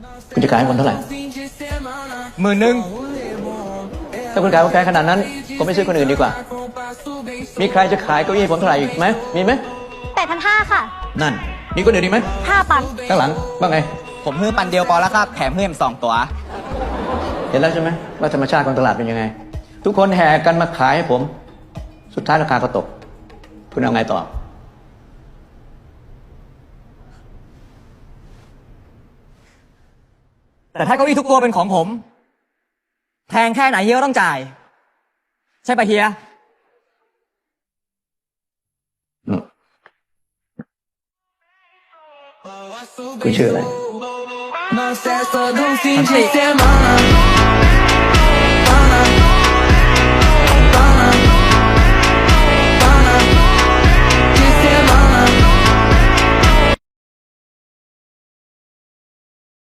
คุณจะขายให้คนเท่าไหร่ 10,000 ถ้าคุณขายคนแพงขนาดนั้นผมไม่ซื้อคนอื่นดีกว่า มีใครจะขายเก้าอี้ให้ผมเท่าไหร่อีกไหมมีไหม 8,500ค่ะนั่นมีคนอื่นอีกไหม 5 ปันข้างหลังว่าไงผมฮื้อปันเดียวพอแล้วครับแถมเพิ่ม2 ตัวเห็นแล้วใช่ไหมว่าธรรมชาติของตลาดเป็นยังไง ทุกคนแห่กันมาขายให้ผม สุดท้ายราคาก็ตก คุณเอาไงต่อแต่ถ้าเก้าอี้ทุกตัวเป็นของผมแพงแค่ไหนเฮียก็ต้องจ่าย ใช่ปะเฮียคุณชื่ออะไร Não cessa de um fim de semana.